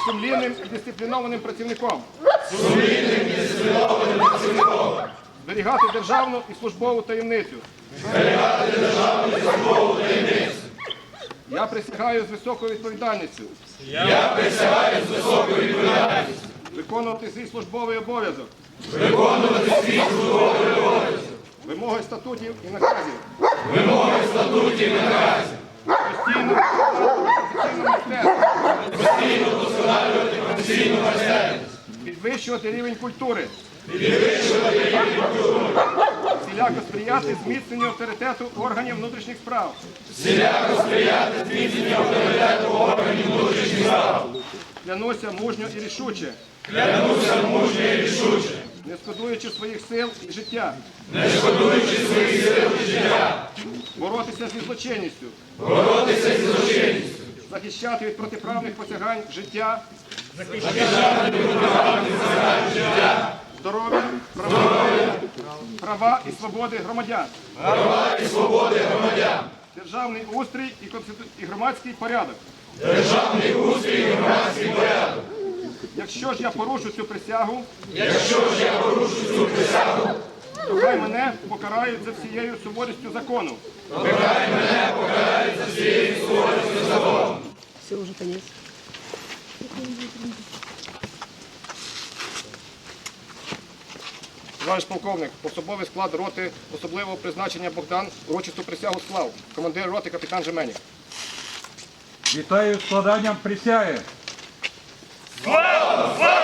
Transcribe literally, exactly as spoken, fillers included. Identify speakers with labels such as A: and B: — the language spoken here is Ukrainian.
A: сумлінним і дисциплінованим працівником.
B: Сумлінним і дисциплінованим працівником.
A: Зберігати державну і службову таємницю.
B: Зберігати державну і службову таємницю.
A: Я присягаю з високою відповідальністю.
B: Я присягаю з високою відповідальністю.
A: Виконувати свій службовий обов'язок.
B: Виконувати свій службовий обов'язок.
A: Вимоги статутів і наказів.
B: Вимоги статутів і наказів.
A: Постійно професійну майстерність.
B: Постійно вдосконалювати професійну майстерність.
A: Підвищувати рівень культури.
B: Підвищувати рівень культури.
A: Всіляко сприяти зміцненню авторитету органів внутрішніх справ.
B: Всіляко сприяти зміцненню авторитету органів внутрішніх справ.
A: Клянуся мужньо і рішуче.
B: Клянуся мужньо і рішуче.
A: Не шкодуючи своїх сил і життя.
B: Не шкодуючи своїх сил і життя.
A: Боротися зі злочинністю.
B: Боротися зі злочинністю.
A: Захищати від протиправних посягань життя.
B: Захищати від протиправних посягань життя.
A: Здоров'я, права, права і свободи громадян.
B: Права і свободи громадян.
A: Державний устрій і, конститу... і громадський порядок.
B: Державний устрій і громадський порядок.
A: Якщо ж я порушу цю присягу,
B: Якщо ж я порушу цю присягу,
A: то хай мене покарають за всією суворістю закону.
B: то хай мене покарають за всією суворістю закону.
C: Все, уже конец.
A: Товариш полковник, особовий склад роти особливого призначення Богдан урочисту присягу склав. Командир роти капітан Жеменів.
D: Вітаю з складанням присяги.
B: Слава! Слава!